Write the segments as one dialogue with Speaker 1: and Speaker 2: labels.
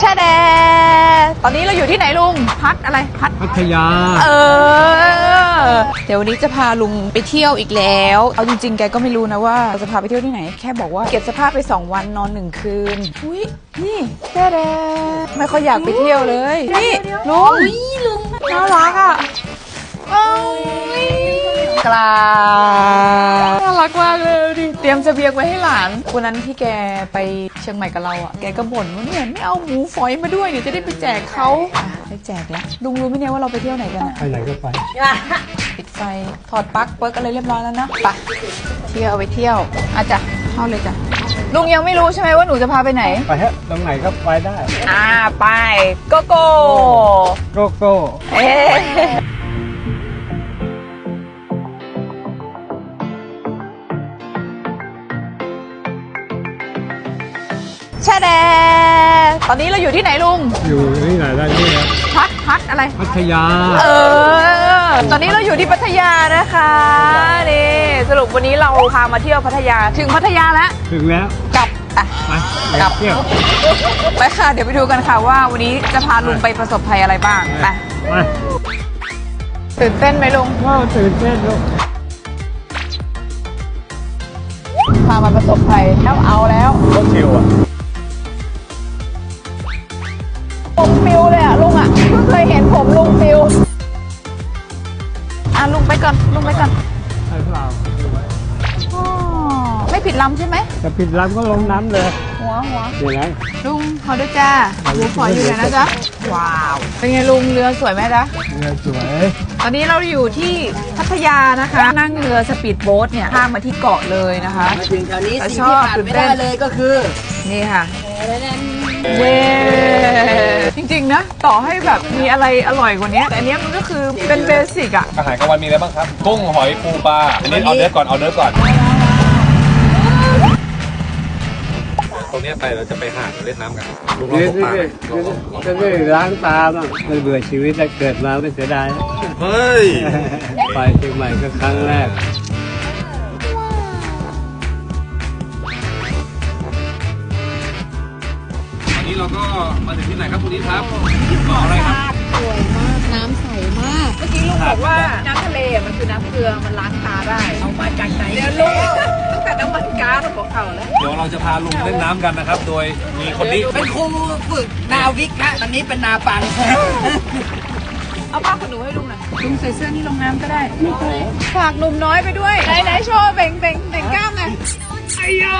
Speaker 1: แช่แดตอนนี้เราอยู่ที่ไหนลุงพัทอะไร
Speaker 2: พัทยา
Speaker 1: เดี๋ยววันนี้จะพาลุงไปเที่ยวอีกแล้วเอาจริงๆแกก็ไม่รู้นะว่าจะพาไปเที่ยวที่ไหนแค่บอกว่าเก็บเสื้อผ้าไป2 วันนอน1 คืนอุ้ยนี่แช่แดไม่ค่อยอยากไปเที่ยวเลยนี่ลุงน่ารักอ่ะกลาน่ารักมากเลยดิเตรียมเสบียงไว้ให้หลานวันนั้นที่แกไปเชียงใหม่กับเราอ่ะแกก็บ่นว่าเนี่ยไม่เอาหมูฝอยมาด้วยเดี๋ยวจะได้ไปแจกเขาไปแจกแล้วลุงรู้ไหมเนี่ยว่าเราไปเที่ยวไหนกันอ่ะ
Speaker 2: ไปไหนก็ไป
Speaker 1: ปิดไฟถอดปลั๊กเปิดอะไรเรียบร้อยแล้วเนาะไปเที่ยวไปเที่ยวอาจ้ะเข้าเลยจ้ะลุงยังไม่รู้ใช่ไหมว่าหนูจะพาไปไหน
Speaker 2: ไปฮะตรงไหนก็ไปได้
Speaker 1: ไปโกโก้เอ๊แช่แดตอนนี้เราอยู่ที่ไหนลุง
Speaker 2: อยู่ที่ไหนได้ที่นะ
Speaker 1: พัทอะไร
Speaker 2: พัทยา
Speaker 1: ตอนนี้เราอยู่ที่พัทยานะคะนี่สรุปวันนี้เราพามาเที่ยวพัทยาถึงพัทยาแล้ว
Speaker 2: ถึงแล้ว
Speaker 1: กลับ
Speaker 2: ไปกลับเที่ยว
Speaker 1: ไปค่ะเดี๋ยวไปดูกันค่ะว่าวันนี้จะพาลุงไปประสบภัยอะไรบ้างไปตื่นเต้นไหมลุง
Speaker 2: ตื่นเต้นลูก
Speaker 1: พามาประสบภัยแล้วเอาแล้ว
Speaker 2: ก็ชิวอ่ะ
Speaker 1: ผมปิวเลยอ่ะลุงอ่ะเพิ่งเคยเห็นผมลุงปิวลุงไปก่อน
Speaker 2: ใช่เปล่า
Speaker 1: ไม่ผิดลำใช่ไหม
Speaker 2: จะผิดลำก็ลงน้ำเลย
Speaker 1: หัว
Speaker 2: เดี๋ยวนะ
Speaker 1: ลุงเขาด้วยจ้าหมูฝอยอยู่ไหนนะจ๊ะว้าวเป็นไงลุงเรือสวยไหมจ๊ะ
Speaker 2: เรือสวย
Speaker 1: ตอนนี้เราอยู่ที่พัทยานะคะนั่งเรือสปีดโบ๊ทเนี่ยข้ามมาที่เกาะเลยนะคะ
Speaker 3: มาถึงแถวนี้สิ่งที่ขาดไม่ได้เลยก็คือ
Speaker 1: นี่ค่ะเย้จริงๆนะต่อให้แบบมีอะไรอร่อยกว่านี้แต่อันนี้มันก็คือเป็นเบสิกอะ
Speaker 4: อาหารกลางวันมีอะไรบ้างครับกุ้งหอยปูปลาอันนี้เอาเนื้อก่อนตรงนี้ไปเราจะไปหาดเล่นน้ำกันลุงลองตกปลา
Speaker 2: จะได้ล้างตาบ้างไม่เบื่อชีวิตแต่เกิดมาไม่เสียดาย
Speaker 4: เฮ้ย
Speaker 2: ไปเชียงใหม่ก็ครั้งแรก
Speaker 4: วันนี้เราก็มาถึงที่ไหนครับคุณนิดครับเกาะอะไรครับ
Speaker 1: สวยมากน้ำใสมากเมื่อกี้ลุงบอกว่าน้ำทะเลมันคือน้ำเกลือมันล้างตาได้เอามาจากไหนเดี๋ยวลุงตั้งแต่น้ำมันก๊าซของเขาแล้ว
Speaker 4: เดี๋ยวเราจะพาลุงเล่นน้ำกันนะครับโดยมีคนนี้
Speaker 3: เป็นครูฝึกนาวิกฮะตอนนี้เป็นนาปัง
Speaker 1: เอาผ้าขนหนูให้ลุงหน่อยลุงใส่เสื้อนี่ลงน้ำก็ได้ฝากหนุ่มน้อยไปด้วยไหนโชว์เบ่งกล้ามไงไอ้ยา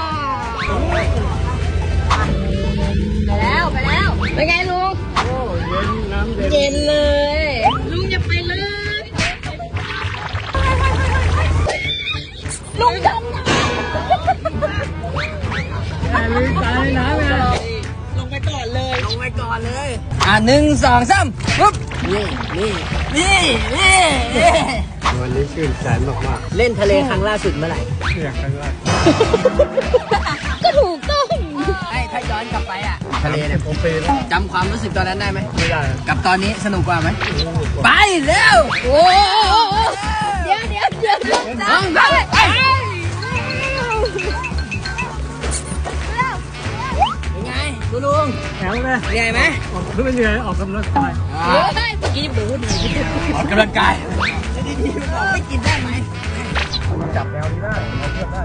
Speaker 1: ไปแล้วเป็นไงลุง
Speaker 2: โอ้เย็นน้ำ
Speaker 1: เย็นเลยลุงอย่าไปเลยลุงจมน้ำ
Speaker 2: ตายน้ำเลย
Speaker 3: ลงไปก่อนเลย1 2 3ปุ๊บนี่
Speaker 2: วันนี้ชื่นใจมาก
Speaker 3: เล่นทะเลครั้งล่าสุดเมื่อไหร่
Speaker 2: ครั้งแรก
Speaker 1: ก็ถูกต้อง
Speaker 3: ถ้าย้อนกลับไปอ่ะทะเลเนี่ยผมไปจำความรู้สึกตอนนั้นได้ไหม
Speaker 2: ไม่ได้
Speaker 3: กับตอนนี้สนุกกว่าไหมไปเร็ว
Speaker 1: โอ้เดี๋ยว
Speaker 3: ต้องไปเป็นไงลุง
Speaker 2: แข็งเลย
Speaker 3: เหนื่อยไหม
Speaker 2: ไม่เหนื่อยออกกำลังกาย
Speaker 1: เมื่อกี้บูด
Speaker 3: ออกกำลังกายดีๆบอกไม่กินได้ไหม
Speaker 2: จับแนวนี้ได้เราเทียบได้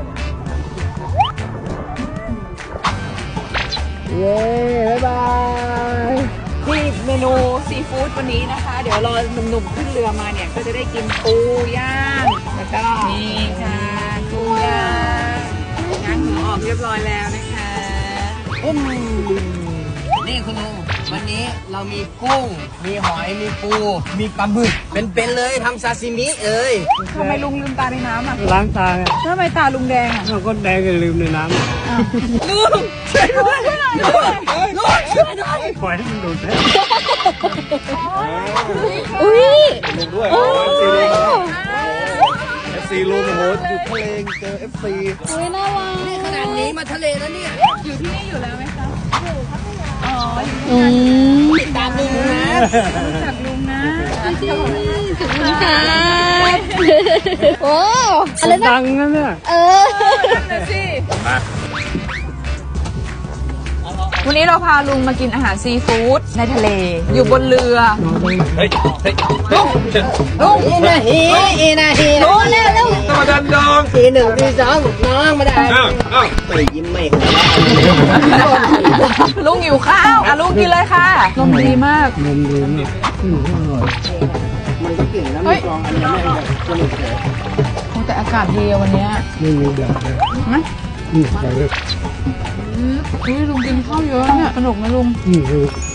Speaker 1: เย้บ๊ายบายที่เมนูซีฟู้ดวันนี้นะคะเดี๋ยวรอหนุ่มๆขึ้นเรือมาเนี่ยก็จะได้กินปูย่างแล้วก็นี่ค่ะปูย่างง้างหัวออกเรียบร้อยแล้วนะคะ
Speaker 3: นี่คุณลุงวันนี้เรามีกุ้งมีหอยมีปูมีปลาหมึกเป็นเลยทำซาซิมิ
Speaker 1: ทำไมลุงลืมตาในน้ำอ่ะ
Speaker 2: ล้างตาไง
Speaker 1: ทำไมตาลุงแดงอ่ะ
Speaker 2: เราก็แดงกันลืมในน้
Speaker 1: ำลุงช่วยด้วย
Speaker 2: ปล่อยให้มันดูดได้
Speaker 1: อุ้ย
Speaker 4: ลุงด้วยFC ลุงโหอยู่ทะเลเจอ FC
Speaker 1: อุ้ยน่ารัก
Speaker 3: นี่ขนาดนี้มาทะเลแล้วเนี่ย
Speaker 1: อยู่ที่นี่อยู่แล้วไหมคะ
Speaker 3: ติดตามลุงนะ
Speaker 1: จากลุงนะ
Speaker 3: ถึง
Speaker 1: ค่ะโอ้
Speaker 2: อะไรนะดังนะเนี่ย
Speaker 1: นั่นสิวันนี้เราพาลุงมากินอาหารซีฟู้ดในทะเล อยู่บนเรือ
Speaker 4: เฮ้ยลุง
Speaker 1: ลุง
Speaker 3: อีนาฮีลุงเร็วเร็ว
Speaker 4: มาดันดอง
Speaker 3: ทีหนึ่งทีสองน้องมาได้
Speaker 4: อ้าว
Speaker 3: ไม่ยิ้มไม่หัวเราะ
Speaker 1: ลุงหิวข้าวอ่ะลุงกินเลยค่ะลมดีมาก
Speaker 2: มันดีมากอร่อยมันก็เก่งนะ
Speaker 1: เฮ้ย
Speaker 2: กองอันนี้ไม่แบบสนุกเลย
Speaker 1: โอ้แต่อากาศดีอะวันเนี้ย
Speaker 2: ไม่มีแบบเลย
Speaker 1: นะ
Speaker 2: ใส่เลย
Speaker 1: อุ้ยลุงกินข้าวเยอะเนี่ยสนุกไหมลุง
Speaker 2: ดู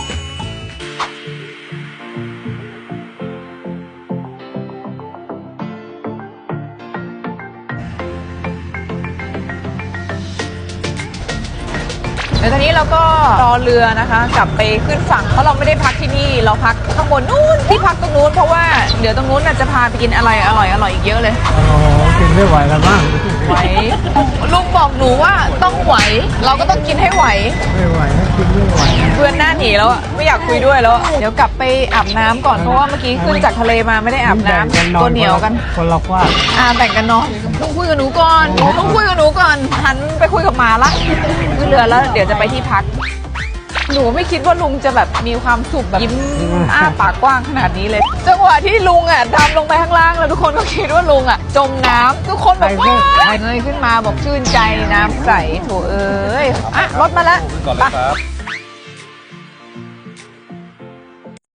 Speaker 1: แล้วตอนนี้เราก็รอเรือนะคะ กลับไปขึ้นฝั่งเพราะเราไม่ได้พักที่นี่เราพักข้างบนนู้นที่พักตรงนู้นเพราะว่าเดี๋ยวตรงนู้นน่ะจะพาไปกินอะไรอร่อยอีกเยอะเลย
Speaker 2: โอ้โหกินไม่ไหวแล้วมั้ง
Speaker 1: ไหวลุงบอกหนูว่าต้องไหว เราก็ต้องกินให้ไหว
Speaker 2: ไม่ไหวนะกินไม่ไหว
Speaker 1: เพื่อนหน้าหนีแล้วอะไม่อยากคุยด้วยแล้วอะเดี๋ยวกลับไปอาบน้ำก่อนเพราะว่าเมื่อกี้ขึ้นจากทะเลมาไม่ได้อาบน้ำตัวเหนียวกัน
Speaker 2: คนละควาด
Speaker 1: แบ่งกันนอนต้องคุยกับหนูก่อนต้องคุยกับหนูก่อนหันไปคุยกับหมาละขึ้นเรือแล้วเดี๋ยวจะไปที่พัก หนูไม่คิดว่าลุงจะแบบมีความสุขแบบยิ้มอ้าปากกว้างขนาดนี้เลยจังหวะที่ลุงดำลงไปข้างล่างแล้วทุกคนก็คิดว่าลุงจมน้ำทุกคนแบบว้ายเงยขึ้นมาบอกชื่นใจน้ำใสโถเอ้ยรถมาแล้ว
Speaker 4: ก่อนเลยครับ